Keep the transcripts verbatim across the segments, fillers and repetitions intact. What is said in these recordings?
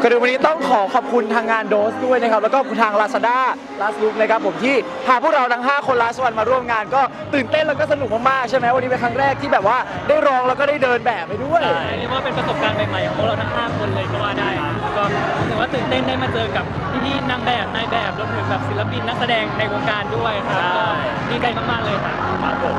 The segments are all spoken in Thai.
ก็ดูวันนี้ต้องขอขอบคุณทางงานโดสด้วยนะครับแล้วก็ทาง Lazada Last Look นะครับผมที่พาพวกเราทั้งห้าคนลาสวันมาร่วมงานก็ตื่นเต้นแล้วก็สนุกมากๆใช่ไหมวันนี้เป็นครั้งแรกที่แบบว่าได้ร้องแล้วก็ได้เดินแบบไปด้วยใช่เรียกว่าเป็นประสบการณ์ใหม่ๆของพวกเราทั้งห้าคนเลยก็ว่าได้ครับก็ถือว่าตื่นเต้นได้มาเจอกับพี่ๆนางแบบนายแบบรวมถึงแบบศิลปินนักแสดงในวงการด้วยครับก็ดีใจมากๆเลยครับครับผม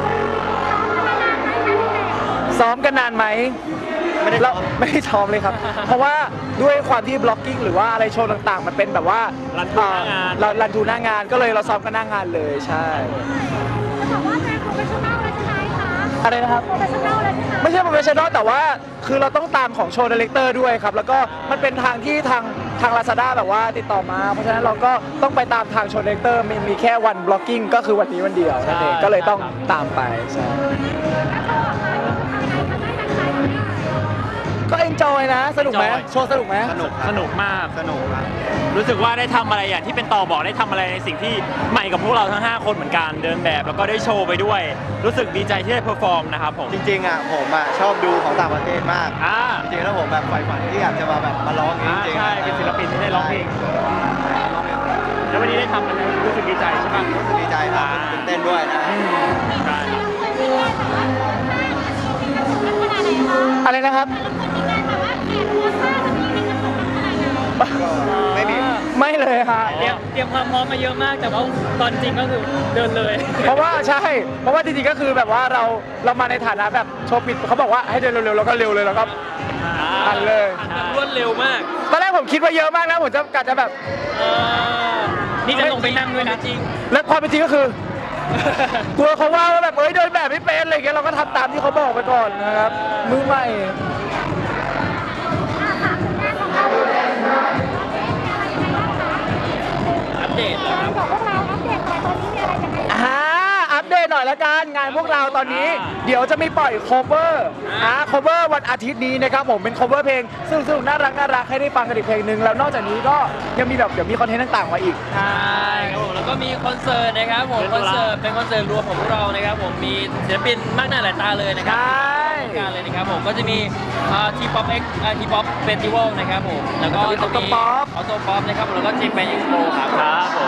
ซ้อมกันนานไหมไม่ได้ไม่ได้ซ้อมเลยครับ เพราะว่าด้วยความที่บล็อกกิ้งหรือว่าอะไรโชว์ต่างๆ มันเป็นแบบว่ารันทูหน้างานเรารันทูหน้างานก็เลยเราซ้อมกันหน้างานเลยใช่จะบอกว่าเป็นโปรเฟชชั่นแนลแล้วใช่ไหมคะอะไรนะครับโปรเฟชชั่นแนลแล้วใช่ไหมไม่ใช่โปรเฟชชั่นอลแต่ว่าคือเราต้องตามของโชว์ดีเลกเตอร์ด้วยครับ แล้วก็มันเป็นทางที่ทางทาง Lazada แบบว่าติดต่อมา เพราะฉะนั้นเราก็ต้องไปตามทางโชว์ดีเลกเตอร์มีมีแค่วันบล็อกกิ้งก็คือวันนี้วันเดียวนั่นเองก็เลยต้องตามไปใช่ก็เอนจอยนะสนุกไหม Enjoy โชว์สนุกไหมสนุกสนุกมากสนุกครับรู้สึกว่าได้ทำอะไรอย่างที่เป็นต่อบอกได้ทำอะไรในสิ่งที่ใหม่กับพวกเราทั้งห้าคนเหมือนกันเดินแบบแล้วก็ได้โชว์ไปด้วย รู้สึกดีใจที่ได้เพอร์ฟอร์มนะครับผมจริงๆอ่ะผมอ่ะชอบดูของต่างประเทศมากอ่าจริงๆแล้วผมแบบใฝ่ฝันที่อยากจะมาแบบมาร้องเองอ่าจริงๆใช่เป็นศิลปินที่ได้ร้องเพลงแล้ววันนี้ได้ทำมันรู้สึกดีใจใช่ปะรู้สึกดีใจครับอ่าตื่นเต้นด้วยนะอืมใช่อะไรนะครับก็ไม่มีไม่เลยค่ะเตรียมเตรียมความพร้อมมาเยอะมาก แต่ว่าตอนจริงก็คือเดินเลยเพราะว่าใช่ เพราะว่าจริงๆก็คือแบบว่าเราเรามาในฐานะแบบโชว์ปิดเขาบอกว่าให้เดินเร็วๆแล้วก็เร็วเลยแล้วก็ อันเลยรวดเร็วมากตอนแรกผมคิดว่าเยอะมากนะผมจะกะจะแบบเออนี่จะลงไปนั่งด้วยนะจริงและความเป็นจริงก็คือ กลัวเขาว่าว่าแบบเอ้ยเดินแบบไม่เป็นอะไรอย่างเงี้ยเราก็ทำตามที่เขาบอกไปก่อนนะครับมือใหม่อัปเดตแล้วครับบอกพวกเราอัปเดตหน่อยตอนนี้มีอะไรยังไงอ่าอัปเดตหน่อยละกันงานพวกเราตอนนี้อ่าเดี๋ยวจะมีปล่อย cover อ่า cover วันอาทิตย์นี้นะครับผมเป็น cover เพลงสนุกๆน่ารักน่ารักให้ได้ฟังกันอีกเพลงหนึ่งแล้วนอกจากนี้ก็ยังมีแบบเดี๋ยวมีคอนเทนต์ต่างๆมาอีกใช่ครับผมแล้วก็มีคอนเสิร์ตนะครับผมเดือนคตุอนลาเสิร์ตเป็นคอนเสิร์ตรวมของพวกเรานะครับผมมีศิลปินมากหน้าหลายตาเลยนะคใชรับ่ การเลยนะครับผมก็จะมีทีป๊อปเอ็กทีป๊อปเฟสติวัลนะครับผมแล้วก็จะมี Autopop ออโต้ป๊อปนะครับแล้วก็จีแปนเอ็กซ์โปครับครับผม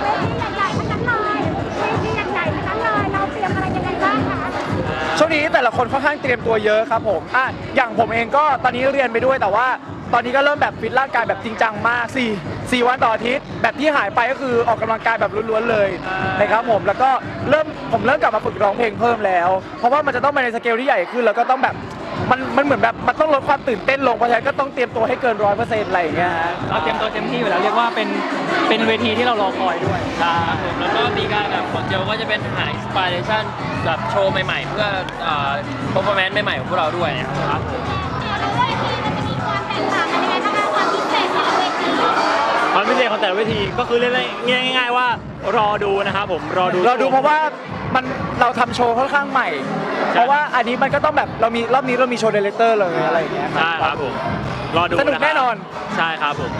เวทีใหญ่ๆทั้งนั้นเลยเวทีใหญ่ๆทั้งนั้นเลยเราเตรียมอะไรยังไงบ้างคะช่วงนี้แต่ละคนค่อนข้างเตรียมตัวเยอะครับผมอ่ะอย่างผมเองก็ตอนนี้เรียนไปด้วยแต่ว่าตอนนี้ก็เริ่มแบบฟิตร่างกายแบบจริงจังมากสี่ สี่วันต่ออาทิตย์แบบที่หายไปก็คือออกกำลังกายแบบล้วนๆเลยนะครับผมแล้วก็เริ่มผมเริ่มกลับมาฝึกร้องเพลงเพิ่มแล้ว เพราะว่ามันจะต้องไปในสเกลที่ใหญ่ขึ้นแล้วก็ต้องแบบมันมันเหมือนแบบมันต้องลดความตื่นเต้นลงเพราะฉะนั้นก็ต้องเตรียมตัวให้เกินร้อยเปอร์เซ็นต์อะไรอย่างเงี้ยฮะเราเตรียมตัวเต็มที่อยู่แล้วเรียกว่าเป็นเป็นเวทีที่เรารอคอยด้วยครับผมแล้วก็มีการแบบของเจลก็จะเป็นหาอินสปิเรชันแบบโชว์ใหม่ๆ เพื่ออ่าเปอร์ฟอร์แมนซ์ใหม่ๆของพวกเราด้วยนะครับแล้วเวทีมันจะมีความแตกต่างกันยังไงบ้างคะความพิเศษของเวทีความพิเศษของแต่ละเวทีก็คือเรียกง่ายๆว่ารอดูนะครับผมรอดูเราดูเพราะว่ามันเราทำโชว์ค่อนข้างใหม่ เพราะว่าอันนี้มันก็ต้องแบบเรามีรอบนี้เรามีโชว์ดีเลกเตอร์เลยอะไรอย่างเงี้ยใช่ครับผมรอดูสนุกแน่นอนใช่ครับผม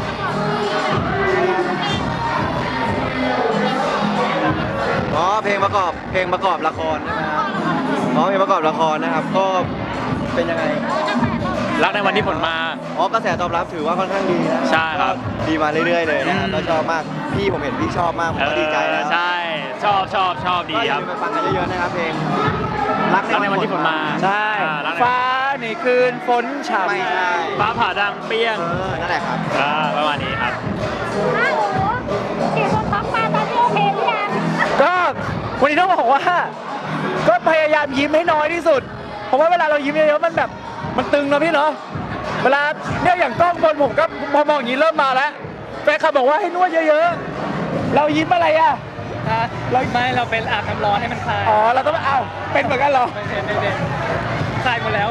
อ๋อเพลงประกอบเพลงประกอบละครใช่ไหมครับอ๋อเพลงประกอบละครนะครับก็เป็นยังไงรักในวันที่ผลมาอ๋อกระแสตอบรับถือว่าค่อนข้างดีนะใช่ครับก็ดีมาเรื่อยๆเลยนะครับอืมก็ชอบมากพี่ผมเห็นพี่ชอบมากผมก็ดีใจแล้วเออใช่ชอบชอบชอบดีก็อคย่ารับลืมไปฟังกันเยอะๆนะครับเพลงรักรักในวันที่ผลมาใช่อ่ารักในฟ้าในคืนฝนฉ่ำไม่ใช่ฟ้าผ่าดังเปี้ยงเออนั่นแหละครับอ่าประมาณนี้ครับอ้าวโอ้โหเกี่ยวกับท็อปมาตอนนี้โอเคหรือยังก็วันนี้ต้องบอกว่า ก็พยายามยิ้มให้น้อยที่สุด เพราะว่าเวลาเรายิ้มเยอะๆมันแบบมันตึงเนอะพี่เนาะเวลาเนี่ยอย่างกล้องบนผมก็พอมองอย่างนี้เริ่มมาแล้วแฟนคลับบอกว่าให้นวดเยอะๆ เรายิ้มอะไรอ่ะเราไม่เราเป็นอาบน้ำร้อนให้มันคลายอ๋อเราต้องอ้าวเป็นเหมือนกันเหรอไม่เป็นไม่เป็นคลายหมดแล้ว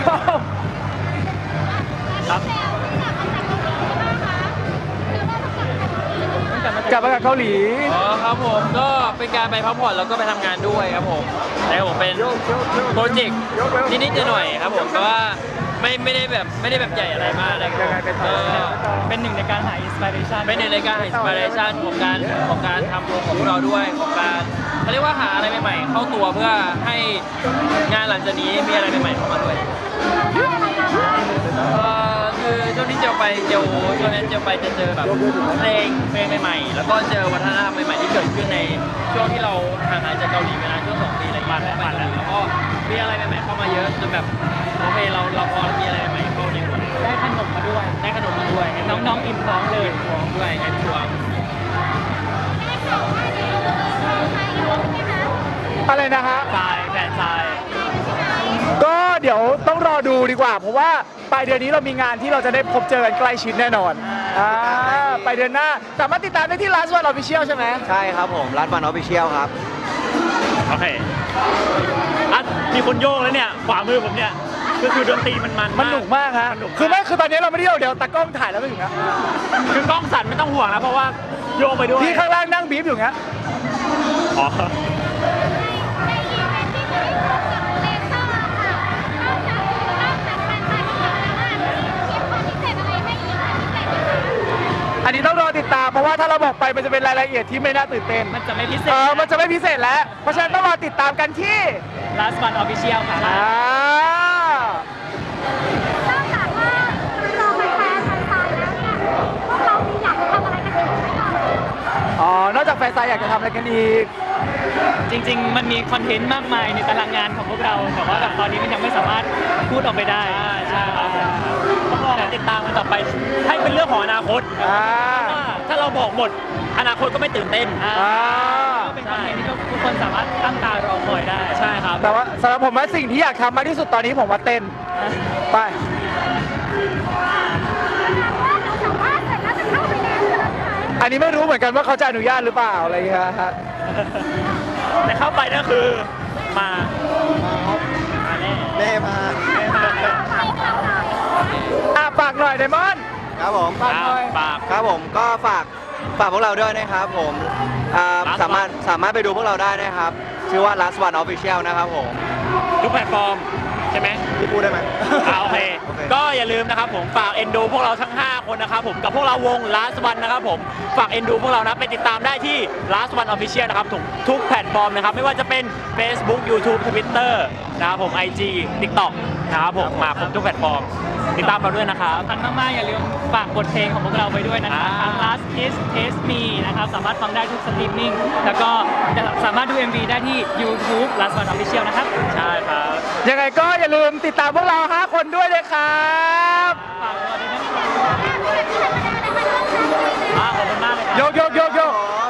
ครับกลับมาจากเกาหลีอ๋อครับผมก็เป็นการไปพักผ่อนแล้วก็ไปทำงานด้วยครับผมแต่ผมเป็นโปรเจกต์นิดๆหน่อยๆครับผมแต่ว่าไม่ไม่ได้แบบไม่ได้แบบใหญ่อะไรมากนะครับก็เป็นหนึ่งในการหาอินสปิเรชันเป็นในรายการอินสปิเรชันของการของการทำวงของพวกเราด้วยของการเขาเรียกว่าหาอะไรใหม่ๆเข้าตัวเพื่อให้งานหลังจากนี้มีอะไรใหม่ๆเข้ามาด้วยเอ่อคือช่วงที่เจลไปไปเจลช่วงนั้นเจลไปจะเจอแบบเพลงเพลงใหม่ๆแล้วก็เจอวัฒนธรรมใหม่ๆที่เกิดขึ้นในช่วงที่เราห่างหายจากเกาหลีไปนานช่วงสองปีอะไรอย่างเงี้ยไปแล้วแล้วก็มีอะไรใหม่ๆเข้ามาเยอะจนแบบโอเคเราเราพอมีอะไรใหม่ๆเข้าในหัวได้ขนมมาด้วยได้ขนมมาด้วยน้องๆอิ่มท้องเลยท้องด้วยไงทัวร์อะไรนะฮะทรายแฟนทรายก็เดี๋ยวต้องรอดูดีกว่า เพราะว่าปลายเดือนนี้เรามีงานที่เราจะได้พบเจอกันใกล้ชิดแน่นอนอ่าปลายเดือนหน้าสามารถติดตามได้ที่ Last One Official ใช่ไหมใช่ครับผมรัดวันออฟฟิเชียลครับโอเคอ่ะมีคนโยกแล้วเนี่ย ขวามือผมเนี่ย ก็คือดนตรีมันมันมันหนุกมากฮะมันหนุกมากคือไม่คือตอนนี้เราไม่ได้เอาเดี๋ยวตากล้องถ่ายแล้วก็อย่างเงี้ยคือกล้องสั่นไม่ต้องห่วงนะ เพราะว่าโยกไปด้วยพี่ข้างล่างนั่งบีบอยู่เงี้ยอ๋ออันนี้ต้องรอติดตามเพราะว่าถ้าเราบอกไปมันจะเป็นรายละเอียดที่ไม่น่าตื่นเต้นมันจะไม่พิเศเอษอมันจะไม่พิเศษแล้ว เพราะฉะนั้นต้องรอติดตามกันที่ Last One Official ค่ะอ่านอกจากว่ารอแฟนๆแฟนๆแล้วเนี่ยพวกเรามีอยากจะทำอะไรกันอีกไหมก่อนอ๋อนอกจากแฟนซายอยากจะทำอะไรกันอีกจริงๆ มันมีคอนเทนต์มากมายในตารางงานของพวกเรา แต่ว่าแบบตอนนี้มันยังไม่สามารถพูดออกไปได้ใช่ครับ ต้องรอติดตามกันต่อไป ให้เป็นเรื่องของอนาคตอ่าว่าถ้าเราบอกหมด อนาคตก็ไม่ตื่นเต้นอ่าอ่าก็เป็นคอนเทนต์ที่ทุกคนสามารถตั้งตารอคอยได้ใช่ครับแต่ว่าสำหรับผมว่าสิ่งที่อยากทำมากที่สุดตอนนี้ผมว่าเต้น ไปแต่ว่าเสร็จแล้วจะเข้าไปในเมืองไหมอันนี้ไม่รู้เหมือนกันว่าเขาจะอนุญาตหรือเปล่าอะไรอย่างเงี้ยฮะแต่เข้าไปนั่นคือมามาแน่แม่มาอ่ะฝากหน่อยไดมอนด์ครับผมฝากหน่อยปากครับผมก็ฝากฝากพวกเราด้วยนะครับผมอ่า Last One สามารถสามารถไปดูพวกเราได้นะครับ ชื่อว่า Last One Official นะครับผมทุกแพลตฟอร์ม ใช่ไหมพี่พูดได้ไหมอ่าโอเคโอเคก็อย่าลืมนะครับผมฝากเอ็นดูพวกเราทั้ง ห้า คนนะครับผมกับพวกเราวง Last One นะครับผมฝากเอ็นดูพวกเรานะไปติดตามได้ที่ Last One Official นะครับทุกทุกแพลตฟอร์มนะครับไม่ว่าจะเป็น Facebook YouTube Twitter นะครับผม ไอ จี TikTok นะครับผมมาครบทุกแพลตฟอร์ม ติดตามเราด้วยนะครับสำคัญมากๆ อย่าลืมฝากบทเพลงของพวกเราไปด้วยนะครับอ่าทาง Last Kiss Taste Me นะครับ สามารถฟังได้ทุกสตรีมมิ่ง แล้วก็สามารถดู เอ็ม วี ได้ที่ YouTube Last One Official นะครับใช่ครับยังไงก็อย่าลืมติดตามพวกเรา ห้า คนด้วยเลยครับฝากตัวด้วยนะครับอ่าขอบคุณมากเลยครับโยกโยกโยกโยกครับ